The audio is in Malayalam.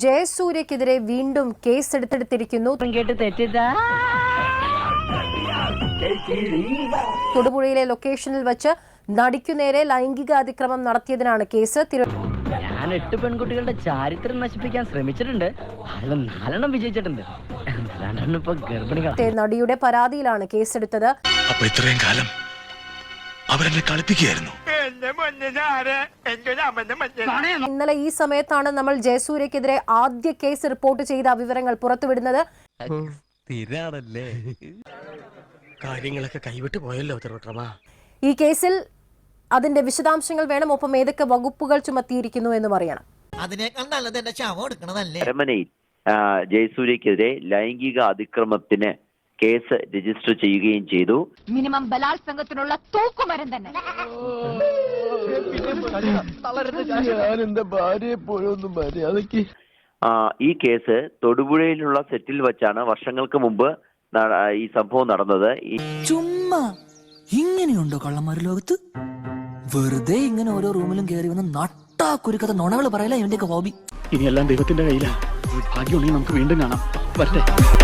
ജയസൂര്യക്കെതിരെ വീണ്ടും കേസെടുത്തിരിക്കുന്നു. തൊടുപുഴയിലെ ലൊക്കേഷനിൽ വെച്ച് നടിക്കുനേരെ ലൈംഗിക അതിക്രമം നടത്തിയതിനാണ് കേസ്. ഞാൻ 8 പെൺകുട്ടികളുടെ ചാരിത്രം നശിപ്പിക്കാൻ ശ്രമിച്ചിട്ടുണ്ട്. അതിൽ 4 വിജയിച്ചിട്ടുണ്ട്. നടിയുടെ പരാതിയിലാണ് കേസെടുത്തത്. അപ്പോൾ ഇത്രയും കാലം അവരെന്നെ കളിപ്പിക്കുകയായിരുന്നു. ഇന്നലെ ഈ സമയത്താണ് നമ്മൾ ജയസൂര്യക്കെതിരെ ആദ്യ കേസ് റിപ്പോർട്ട് ചെയ്ത വിവരങ്ങൾ പുറത്തുവിടുന്നത്. കാര്യങ്ങളൊക്കെ കൈവിട്ട് പോയല്ലോ. ഈ കേസിൽ അതിന്റെ വിശദാംശങ്ങൾ വേണം, ഒപ്പം ഏതൊക്കെ വകുപ്പുകൾ ചുമത്തിയിരിക്കുന്നു എന്നും അറിയണം. അരമനയിൽ ജയസൂര്യക്കെതിരെ ലൈംഗിക അതിക്രമത്തിന് കേസ് രജിസ്റ്റർ ചെയ്യുകയും ചെയ്തു. മിനിമം ബലാത്സംഗത്തിനുള്ള തൂക്കുമരം തന്നെ. ഈ കേസ് തൊടുപുഴയിലുള്ള സെറ്റിൽ വെച്ചാണ് വർഷങ്ങൾക്ക് മുമ്പ് ഈ സംഭവം നടന്നത്. ചുമ്മാ ഇങ്ങനെയുണ്ടോ കള്ളന്മാര് ലോകത്ത്? വെറുതെ ഇങ്ങനെ ഓരോ റൂമിലും കയറി വന്ന് നട്ടാ കുരുക്കഥ നുണകൾ പറയല ഇവന്റെയൊക്കെ ഹോബി. ഇനിയെല്ലാം ദൈവത്തിന്റെ കയ്യിലാ. ഭാഗ്യമുണ്ടെങ്കിൽ നമുക്ക് വീണ്ടും കാണാം. വരട്ടെ.